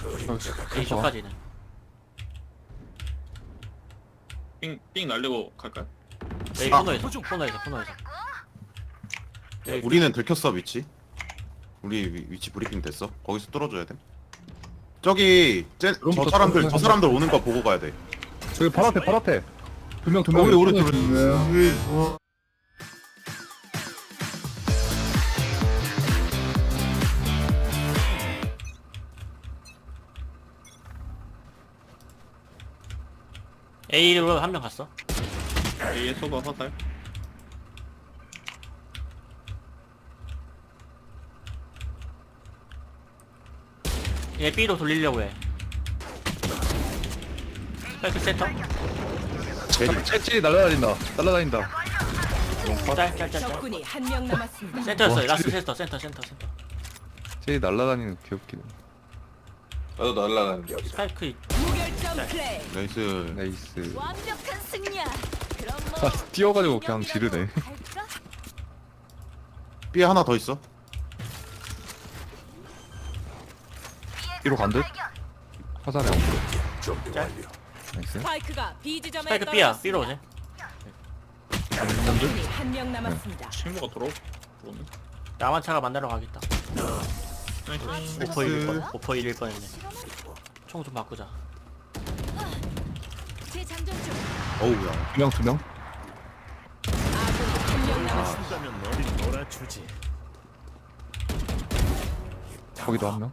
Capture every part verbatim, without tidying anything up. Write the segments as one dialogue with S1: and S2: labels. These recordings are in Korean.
S1: A 쪽까지는.
S2: 삥, 삥 날리고 갈까요?
S1: A
S3: 아.
S1: 코너에서 코너에서 코너에서. A
S3: 우리는 들켰어 위치. 우리 위, 위치 브리핑 됐어. 거기서 뚫어줘야 돼. 저기 쟤, 저
S4: 그럼부터
S3: 사람들 저
S4: 뚫어줘야
S3: 사람들 오는 거 보고 가야 돼.
S4: 저기 바로 앞에 바로 앞에 두 명 두 명.
S3: 우리 오른쪽.
S1: A로 한 명 갔어.
S2: A에 소바 화살.
S1: 얘 B로 돌리려고 해. 스파이크 센터.
S3: 제리.
S4: 채찌 날라다닌다. 날라다닌다.
S1: 짤짤짤짤.
S5: 적군이 한 명 남았습니다.
S1: 센터였어.
S4: 와,
S1: 라스트
S4: 쟤-
S1: 센터 센터 센터 센터.
S4: 채찌 날라다니는 귀엽기네.
S6: 나도 날라가는 게
S1: 스파이크
S5: 무결점 플레이.
S3: 나이스.
S4: 나이스.
S5: 완벽한 승리야. 그럼
S4: 아,
S5: 뭐
S4: 뛰어가지고 그냥 지르네.
S5: 갈까?
S3: B에 하나 더 있어.
S4: 뒤로 간 듯? 화살에 안 보여.
S1: 짤.
S4: 나이스.
S5: 스파이크가 B 지점에
S1: 스파이크 B야. B로 오네.
S5: 적군이 한 명 남았습니다.
S2: 친구가 돌아오네.
S1: 나만 차가 만나러 가겠다.
S2: 나이스.
S1: 오퍼 일일 뻔. 오퍼 일일 뻔했네. 총 좀 바꾸자.
S5: 재장전 중.
S3: 어우야.
S4: 두 명 두 명.
S5: 아군이 한 명 남았습니다.
S7: 가면 너를 놀아주지.
S4: 거기도 한 명.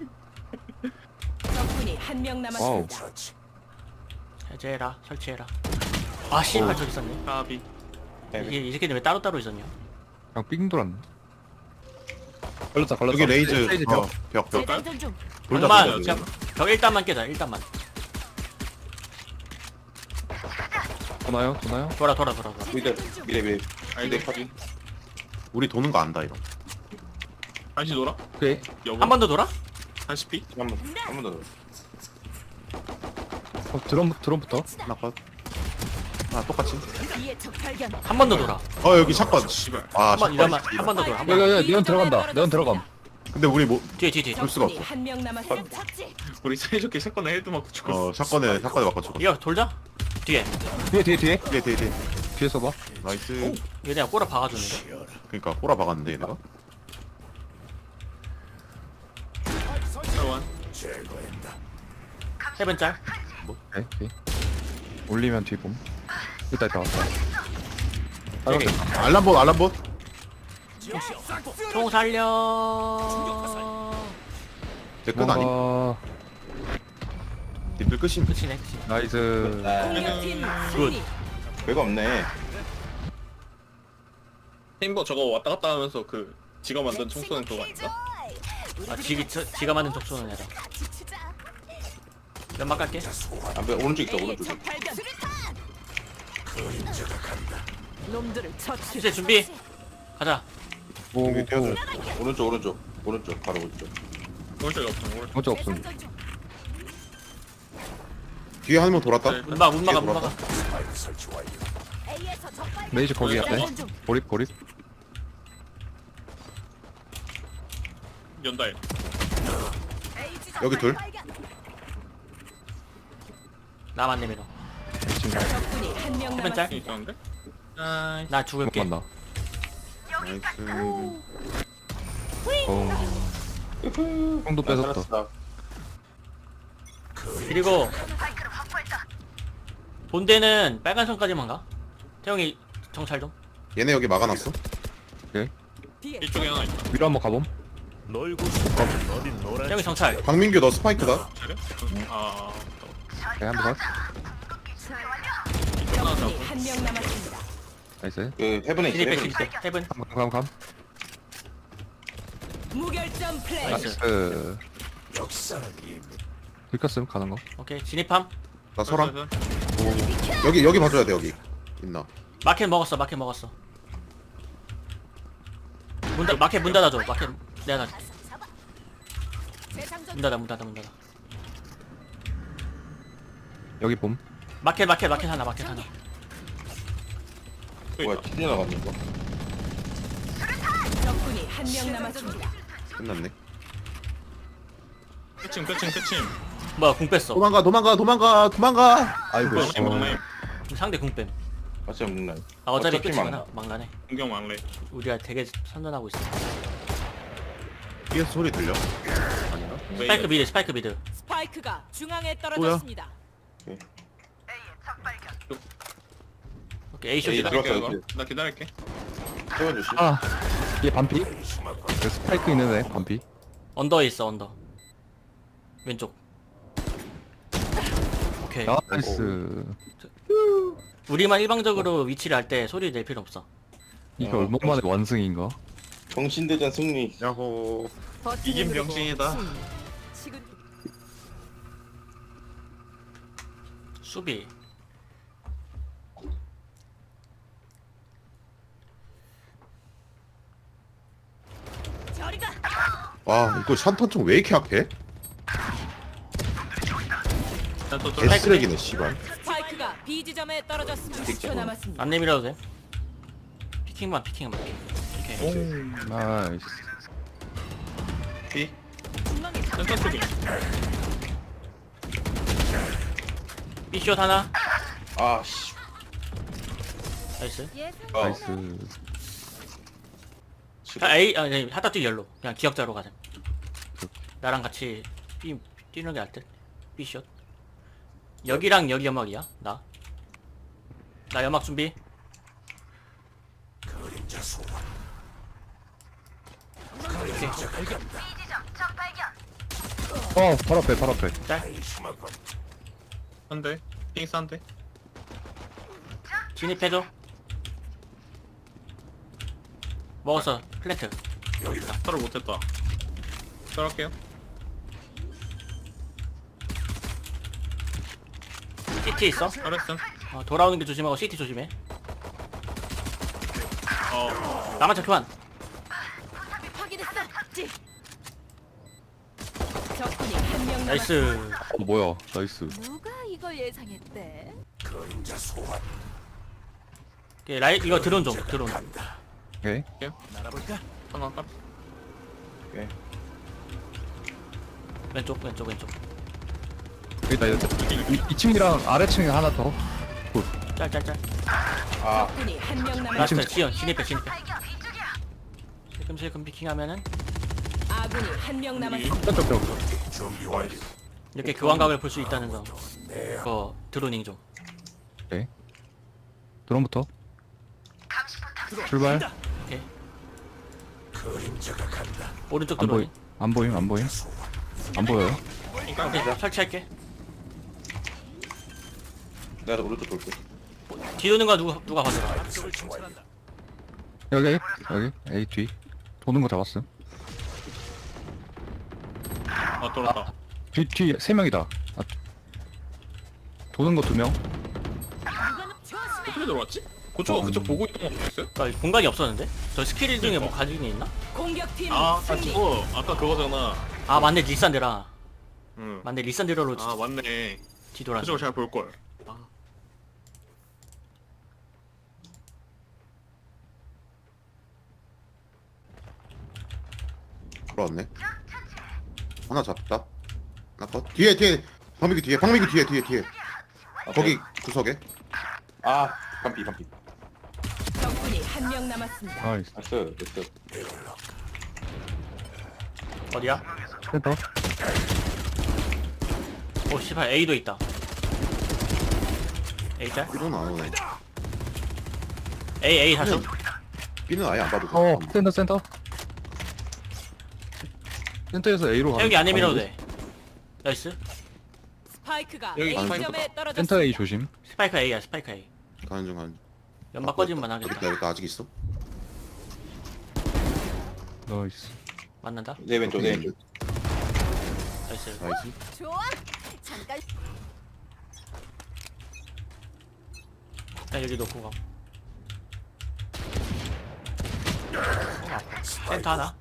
S5: 적군이 한 명
S4: 와우.
S5: 남았습니다.
S1: 해제해라. 설치해라. 아 씨발 저기 있었네.
S2: 까비.
S1: 이게 이 새끼들 왜 따로따로 있었냐?
S4: 그냥 삥 돌았네. 걸렸다 걸렸다.
S3: 여기 레이즈.
S4: 레이즈
S3: 어, 벽 벽.
S5: 재장전 중.
S3: 돌자
S1: 벽만
S3: 돌자.
S1: 그냥 벽 일단만 깨자. 일단만.
S4: 도나요? 도나요?
S1: 돌아 돌아 돌아 돌아.
S6: 미래 미래 미래
S2: 알대 카비.
S3: 우리 도는 거 안다 이거.
S2: 한시 돌아?
S4: 오케이.
S2: 여보.
S1: 한 번 더 돌아?
S2: 한시 피?
S6: 한번 한 번 더.
S4: 어, 드럼 드럼부터.
S3: 하나 컷. 아 똑같이.
S5: 뒤에 적 발견.
S1: 한 번 더 돌아.
S3: 어 여기 샷건.
S2: 씨발.
S3: 아
S1: 한 번
S3: 샷건.
S1: 이러면 한 번 더 돌아. 한 번.
S4: 야야야 네온 들어간다. 네온 들어감.
S3: 근데 우리 뭐
S1: 뒤에 뒤에 뒤에.
S3: 볼 수가
S5: 적군이
S3: 없어.
S5: 한 명 남았습니다.
S2: 우리 사이좋게 샷건에 헤드 맞고 죽었어.
S3: 어 샷건에 샷건에 바꿔 줘.
S1: 이거 돌자. 뒤에.
S4: 뒤에 뒤에 뒤에.
S3: 뒤에 뒤에 뒤에.
S4: 뒤에 써봐.
S3: 나이스.
S1: 얘네가 꼬라 박아주는데.
S3: 그러니까 꼬라 박았는데 얘네가.
S2: 사원.
S1: 세븐 짤.
S4: 오케이. 오케이. 올리면 뒤봄. 일단 다 왔다.
S1: 여기.
S3: 알람봇 알람봇.
S1: 총 살려.
S3: 제끝 아니?
S4: 와,
S3: 님들 끝임.
S1: 끝이네 끝이.
S4: 나이스.
S5: 공격팀 승리.
S6: 별거 없네.
S2: 팀버 저거 왔다 갔다 하면서 그 지가 만든 총 쏘는 그거 아닌가?
S1: 아 지기 저, 지가 만든 족쏘는 애다. 연막 갈게.
S6: 앞에 오른쪽 있어
S5: A의
S6: 오른쪽.
S5: 적 발견. 놈들을 처치.
S1: 이제 준비. 가자.
S4: 오오오.
S6: 오른쪽 오른쪽 오른쪽 바로 오른쪽.
S2: 오른쪽이 없어. 오른쪽.
S4: 어쩔 없음.
S3: 뒤에 한 명 돌았다.
S2: 네.
S1: 문 막아 문 막아 문
S3: 돌아가.
S1: 막아.
S5: A에서 적 발견.
S4: 레이즈 거기 갔대.
S5: 재장전 중.
S4: 고립 고립.
S2: 연다해.
S5: A 지점
S3: 여기 둘.
S5: 발견.
S1: 나만 내밀어.
S4: 지금
S5: 적군이 한 명
S1: 세븐 짤.
S5: 남았습니다.
S2: 있었는데? 아,
S1: 나
S4: 못
S1: 죽을게.
S4: 만나.
S3: 나이스.
S4: 어. 형도 뺏었다.
S1: 그리고 본대는 빨간 선까지만 가. 태용이 정찰 좀.
S3: 얘네 여기 막아놨어.
S5: 뒤에
S2: 이쪽에 하나 있다.
S4: 위로 한번 가봄.
S7: 놀고 싶으면 너를 놀아주지.
S1: 태용이 정찰.
S3: 박민규 너 스파이크다.
S2: 차려? 아,
S4: 오케이 한번 가.
S5: 적군이 한 명 남았습니다.
S4: 나이스.
S6: 그 헤븐에 있어.
S1: 진입해
S6: 헤븐.
S1: 진입해. 세븐.
S4: 감 감 감.
S5: 무결점 플레이.
S1: 나이스.
S4: 나이스. 들켰음 가는 거.
S1: 오케이 진입함.
S3: 나 서람. 여기 여기 봐줘야 돼 여기. 있나?
S1: 마켓 먹었어 마켓 먹었어. 문 닫, 마켓 문 닫아줘. 마켓 내가 닫.
S5: 재장전
S1: 문 닫아 문 닫아 문 닫아.
S4: 여기 봄.
S1: 마켓 마켓 마켓 하나 마켓 하나.
S6: 뭐야 튀겨 나갔는 거.
S5: 적군이 한 명 남았습니다.
S3: 끝났네.
S2: 끝임 끝임 끝임.
S1: 뭐야 궁 뺐어.
S3: 도망가 도망가 도망가 도망가.
S4: 아이고
S2: 막내 막내.
S1: 상대 궁 뺨.
S6: 맞지 먹나?
S1: 아 어차피
S6: 어차피
S1: 끝이구나.
S6: 막나.
S1: 막나네.
S2: 공격 막내.
S1: 우리가 되게 선전하고 있어.
S3: 뒤에서 소리 들려? 아닌가?
S1: 스파이크 미드 스파이크 미드.
S5: 스파이크가 중앙에 떨어졌습니다.
S1: 오케이 A
S6: 에이,
S1: 쇼지다.
S6: 들어-
S2: 기다릴게,
S6: 들어왔어,
S2: 이거. 나 기다릴게.
S6: 세번 주시.
S4: 아 얘 반피? 그 스파이크 있는 애 반피.
S1: 언더에 있어 언더. 왼쪽. 오케이.
S4: 나이스.
S1: 우리만 일방적으로 위치를 할 때 소리 낼 필요 없어.
S4: 이거
S6: 어,
S4: 얼마 만에 완승인가?
S6: 정신대전 승리.
S3: 야호.
S2: 이긴 병신이다.
S5: 지금
S1: 수비.
S5: 저리가.
S3: 와 이거 샨탄총 왜 이렇게 약해?
S2: 나또
S3: 개쓰레기네 씨발.
S5: 스파이크가 B 지점에 떨어졌습니다. 십 초 남았습니다.
S1: 안 내밀어도 돼. 피킹만 피킹만 피킹. 오케이.
S4: 나이스.
S2: 비. 센터 쪽이.
S1: B숏 하나.
S6: 아 씨.
S1: 나이스.
S6: 아,
S4: 나이스.
S1: 자, A 아 네, 하다 뛰 열로. 그냥 기억자로 가자. 나랑 같이 B 뛰는 게 날 듯. B숏. 여기랑 여기 연막이야. 나. 나 연막 준비.
S4: 어 바로 앞에 바로 앞에.
S1: 짤.
S2: 한 대. 핑스 한 대.
S1: 진입해줘. 먹었어. 플랜트.
S2: 서로 못했다. 따라할게요.
S1: 씨티 있어.
S2: 잘했음.
S1: 어, 돌아오는 게 조심하고 씨티 조심해.
S2: 어.
S1: 나만 착교한.
S5: 확인했어. 찌. 적군이 한 명 남았습니다.
S1: 나이스.
S4: 어 뭐야? 나이스.
S5: 누가 이걸 예상했대?
S1: 오케이, 라이 이거 드론 좀 드론.
S4: 오케이.
S7: 날아볼까?
S2: 하나 딱.
S1: 왼쪽 왼쪽 왼쪽.
S4: 여기다 여기. 이 층이랑 아래층에 하나 더.
S1: 짤짤짤.
S6: 아
S5: 적군이 한 명 남았습니다.
S1: 라스트 지연 진입해 진입해. 실금실금 피킹하면은
S5: 아군이 한 명 남았습니다.
S4: 한쪽 벽.
S1: 이렇게 교환각을 볼 수 있다는 점. 그거 드로닝 좀.
S4: 오케이. 드론부터. 출발.
S1: 오케이. 오른쪽
S4: 안 보임.
S1: 드로닝.
S4: 안 보임 안 보임. 안 보여요.
S1: 오케이, 설치할게.
S6: 내가 오른쪽 돌게.
S1: 뒤도는 거 누가 누가 봤어?
S4: 여기 여기 A 뒤. 도는 거 잡았음.
S2: 아 돌았다.
S4: 뒤 뒤 세 명이다. 아, 도는 거 두 명.
S2: 어떻게 들어왔지? 그쪽 그쪽 보고 있던 거 보였어요?
S1: 아, 공간이 없었는데? 저 스킬 중에 뭐 가지고 있나?
S5: 공격팀
S2: 아, 아
S5: 승리.
S2: 저거 아까 그거잖아.
S1: 아 맞네 리산드라.
S2: 응.
S1: 맞네 리산드라로
S2: 아 맞네.
S1: 뒤돌아.
S2: 그쪽을 잘 볼 걸. 아.
S3: 돌아왔네. 하나 잡다. 하나 컷. 뒤에 뒤에 방미기 뒤에 방미기 뒤에 뒤에 뒤에. 거기 구석에.
S6: 아 반피 반피.
S5: 적군이 한 명 남았습니다.
S4: 나이스.
S6: 나이스 됐어.
S1: 어디야?
S4: 센터.
S1: 오 씨발 A도 있다. A 짤?
S3: B는 안 오네.
S1: A A 다시.
S3: B는 아예 안 봐도 돼.
S4: 어 센터 센터. 센터에서 A로 가.
S1: 태욱이 안 내밀어도 돼. 나이스.
S5: 스파이크가
S2: 여기
S5: A
S2: 스파이크다.
S5: 지점에
S4: 센터
S5: 떨어졌습니다.
S4: A 조심.
S1: 스파이크 A야 스파이크 A.
S3: 가는 중 가는 중.
S1: 연막 꺼지면
S3: 여기
S1: 하겠다.
S3: 있다 여기 있다 아직 있어.
S4: 나이스.
S1: 맞는다?
S6: 내 왼쪽 내 왼쪽.
S1: 나이스.
S3: 나이스.
S5: 좋아. 잠깐.
S1: 나 여기 놓고 가. 센터 하나.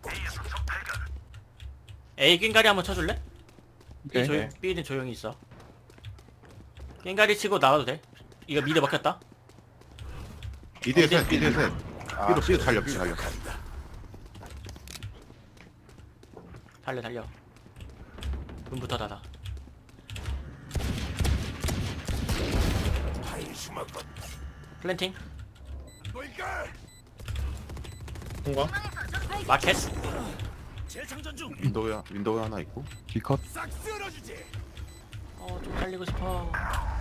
S1: A 깽가리 한번 쳐줄래? B
S4: 오케이.
S1: 조용, B는 조용히 있어. 깽가리 치고 나가도 돼? 이거 미드 먹혔다?
S3: B대 셋 B대 셋.
S6: 아,
S3: B로 B로 달려 B 달려.
S1: 달려 달려. 문부터 닫아. 플랜팅.
S2: 통과.
S1: 마켓.
S7: 재장전 중.
S3: 윈도우 윈도우 하나 있고.
S4: D컷.
S7: 싹 쓸어주지.
S1: 어좀 살리고 싶어.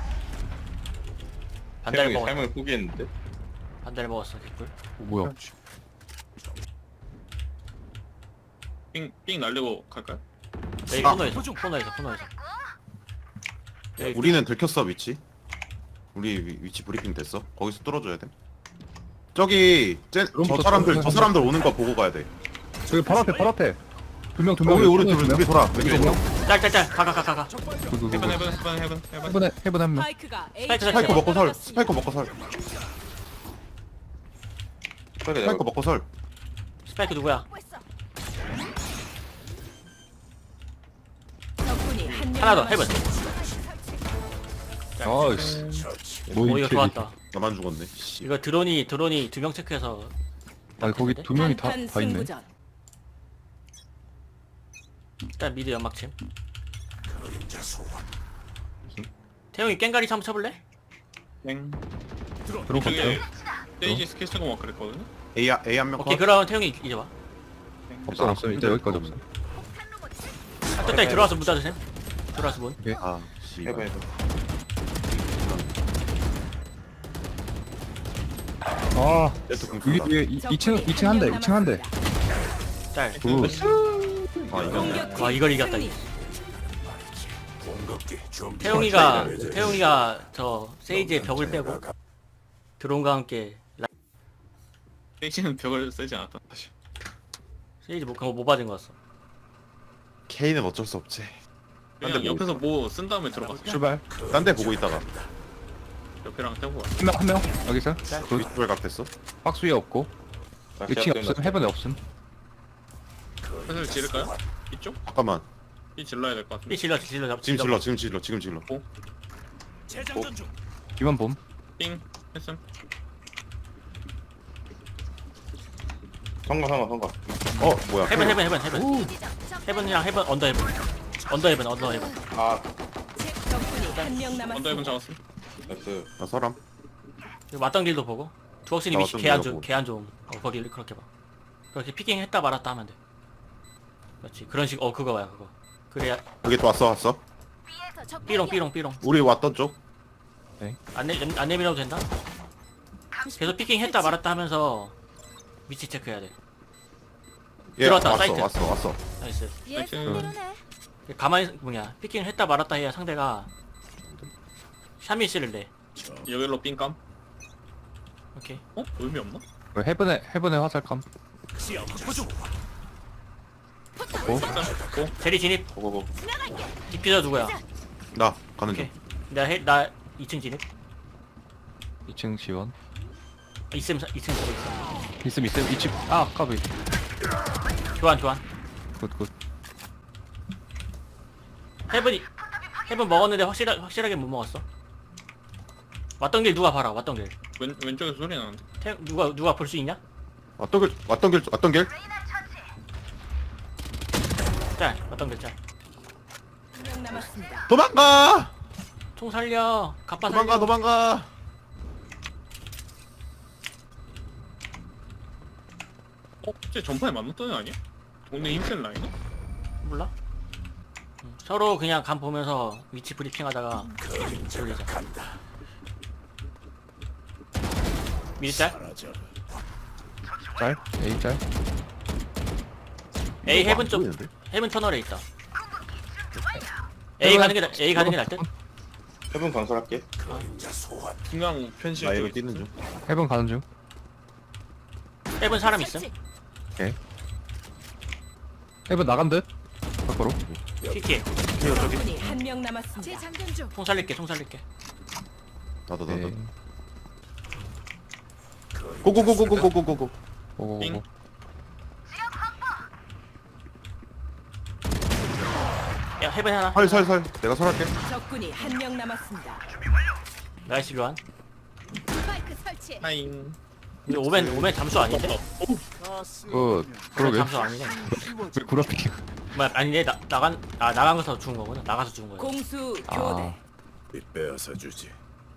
S6: 세
S1: 반달
S6: 명이
S1: 먹었어.
S6: 삶을 포기했는데.
S1: 반달 먹었어 개꿀.
S4: 어, 뭐야?
S2: 삥, 삥 날리고 갈까요?
S1: 여기
S3: 아.
S1: 코너에서 코너에서 코너에서. 여기
S3: 우리는 들켰어 위치. 우리 위, 위치 브리핑 됐어. 거기서 뚫어줘야 돼. 저기 쟤, 저
S4: 그럼부터
S3: 사람들
S4: 뚫어줘야
S3: 저 사람들 오는 거 보고 가야 돼.
S4: 저기 바로 앞에 바로 앞에. 두 명 두 명.
S3: 우리 우리 둘 우리 돌아. 왼쪽으로.
S1: 짤짤짤 가가 가 가가.
S6: 그,
S2: 해븐 해븐 해븐 해븐 해븐.
S4: 해븐에 해븐 한 명.
S5: 스파이크가 A
S1: 스파이크
S5: 지점에
S3: 스파이커 먹고 설.
S5: 떨어졌습니다.
S3: 스파이커 먹고 설.
S6: 빨리
S3: 스파이커
S6: 내가
S3: 먹고 설.
S1: 스파이크 누구야?
S5: 적군이 한 명
S1: 하나 더 해븐.
S4: 나이스. 뭐
S1: 오 이거
S4: 이렇게
S1: 좋았다.
S3: 나만 죽었네. 씨.
S1: 이거 드론이 드론이 두 명 체크해서.
S4: 아니 거기 두 명이 다
S5: 한판
S4: 다 있네.
S5: 승부전.
S1: 일단 미드 연막침. 태용이 깽가리 한번 쳐볼래?
S2: 땡.
S4: 들어갔어요.
S2: 이쪽에 스테이지 스킬 쓰고 막 그랬거든요.
S3: A A 한 명
S1: 오케이
S3: 컷.
S1: 그럼 태용이 이제 와.
S4: 없어 없어. 일단 여기까지 없어.
S1: 한쪽다리 들어와서 문 닫으셈. 들어와서 문.
S3: 아, 씨.
S6: 해봐 해봐.
S4: 아
S3: 세트
S4: 여기
S3: 공수다.
S4: 뒤에 이 층 이 층 한 대. 이 층 한 대.
S1: 짤.
S4: 굿.
S3: 아, 이거
S5: 공격팀
S1: 와, 이걸 이겼다,
S5: 승리.
S1: 태용이가 태용이가 저 세이지의 벽을 빼고 드론과 함께 라...
S2: 스테이지는 벽을 쓰지 않았다. 사실.
S1: 세이지 뭐 그거 못 받은 거였어.
S3: K는 어쩔 수 없지.
S2: 그냥 옆에서 뭐 쓴 다음에 들어갔어.
S4: 출발.
S3: 딴 데 보고 있다가
S2: 옆에랑 떼고 가.
S4: 한 명 한 명. 여기서. 굿.
S3: 윗돌 각됐어.
S4: 박스 위에 없고.
S6: 나
S4: 이 층에
S6: 제압
S4: 없음.
S6: 때문에
S4: 해븐에 없음.
S2: 슬슬 지를까요? 이쪽?
S3: 잠깐만.
S2: 이 질러야 될 것 같은데.
S1: 이 질러 질러 잡.
S3: 지금 질러 지금 질러 지금 질러.
S7: 재장전 중.
S4: 이번 봄.
S2: 삥 했음.
S6: 성공 성공 성공.
S3: 어 뭐야?
S1: 해븐 해븐 해븐 해븐. 해븐이랑 해븐 언더 해븐. 언더 해븐 언더 해븐.
S6: 아
S5: 적군이 한 명
S2: 언더 해븐
S5: 남았습니다.
S2: 잡았음.
S6: 나이스.
S3: 나 서람.
S1: 그리고 맞던 길도 보고. 두억신이
S3: 나
S1: 위치
S3: 맞던
S1: 개안
S3: 길도
S1: 좀
S3: 보고.
S1: 개안 좀. 어 거기를 그렇게 봐. 그렇게 피킹 했다 말았다 하면 돼. 그렇지 그런 식 어 그거 봐요 그거. 그래야
S3: 여기 또 왔어 왔어.
S1: 삐롱 삐롱 삐롱.
S3: 우리 왔던 쪽.
S1: 안, 내, 안 내밀어도 된다? 계속 피킹 했다 말았다 하면서 위치 체크해야 돼.
S3: 예,
S1: 들어왔다,
S3: 왔어
S1: 사이트.
S3: 왔어 왔어.
S1: 나이스.
S2: 나이스.
S1: 가만히, 뭐냐, 피킹 했다 말았다 해야 상대가 샤미씨를 내.
S2: 여기로 삥감.
S1: 오케이.
S2: 어? 의미 없나?
S4: 그 해븐에 해븐에 화살감.
S7: 시야 확보 중.
S2: 일단 고.
S1: 제리 진입.
S6: 고고고.
S1: 디퓨저 누구야?
S3: 나 가는 중.
S1: 오케이. 내가 해, 나 이 층 진입.
S4: 이 층 지원.
S1: 이층, 이 층 보고 있어.
S4: 있음 있음 이층. 아 까비.
S1: 교환, 교환.
S4: 굿굿.
S1: 헤븐이, 헤븐 먹었는데 확실하, 확실하게 못 먹었어. 왔던 길 누가 봐라, 왔던 길.
S2: 왼 왼쪽에서 소리 나는데.
S1: 태, 누가, 누가 볼 수 있냐?
S3: 왔던 길 왔던 길 왔던 길.
S1: 짤, 왔던 길 짤.
S5: 한 명 남았습니다.
S3: 도망가.
S1: 총 살려. 갑바
S3: 도망가
S1: 살려.
S3: 도망가.
S2: 어? 쟤 전파에 맞는 아니야? 동네 힘센 라인이?
S1: 몰라? 응. 서로 그냥 감 보면서 위치 브리핑 하다가 돌리자. 미리 짤?
S4: 짤. A 짤.
S1: A
S3: 뭐
S1: 헤븐
S3: 안
S1: 쪽
S3: 보이는데?
S1: 헤븐 터널에 있다. A 가는 게 나- A 가는 게 나을 듯?
S6: 해븐 건설할게.
S2: 중앙 편실
S3: 나
S2: 쪽에
S3: 이거 뛰는 중.
S4: 해븐 가는 중.
S1: 헤븐 사람 있음?
S4: 해븐 나간 듯. 밖으로.
S1: 티티
S5: 적군이 한 명 남았습니다.
S1: 총 살릴게 총 살릴게.
S3: 나도
S4: 네.
S3: 나도. 고고고고고고고고.
S4: 오오오.
S1: 야 헤븐 하나.
S3: 설설설. 내가 설할게.
S5: 적군이 한 명 남았습니다.
S1: 나이스 교환.
S5: 스파이크 설치.
S2: 하잉.
S1: 근데 오멘 오멘 잠수 아닌데?
S2: 어,
S4: 굿.
S1: 오멘
S4: 그러게.
S1: 잠수 아니네.
S4: 왜 구라피기.
S1: 뭐야 아니네 나 나간 아 나간 거서 죽은 거구나. 나가서 죽은 거야.
S5: 공수
S4: 아.
S5: 교대.
S7: 빼앗아 주지.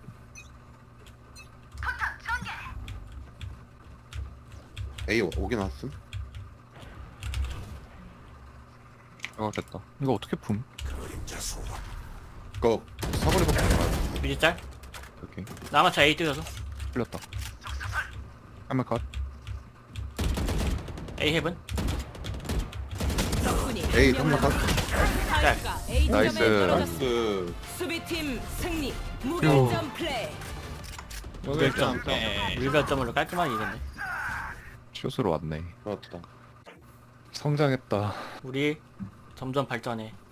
S3: A 오긴 왔음.
S4: 이거 됐다. 이거 어떻게 품?
S7: 그림자 소환.
S3: 그거 사거리 밖에 안 가.
S1: 미리 짤.
S4: 오케이.
S1: 나마차 A 뜯어서
S4: 풀렸다. 한번 컷.
S1: A 헤븐.
S5: 적군이
S3: A
S5: 한 명
S3: 한번 컷.
S5: 남았습니다. 스파이크가 A
S4: 나이스.
S5: 지점에 떨어졌습니다.
S6: 나이스.
S5: 수비팀 승리. 무결점 플레이.
S1: 무결점. 무결점으로 깔끔하게 이겼네.
S4: 슛으로 왔네.
S3: 좋았다.
S4: 성장했다.
S1: 우리 점점 발전해.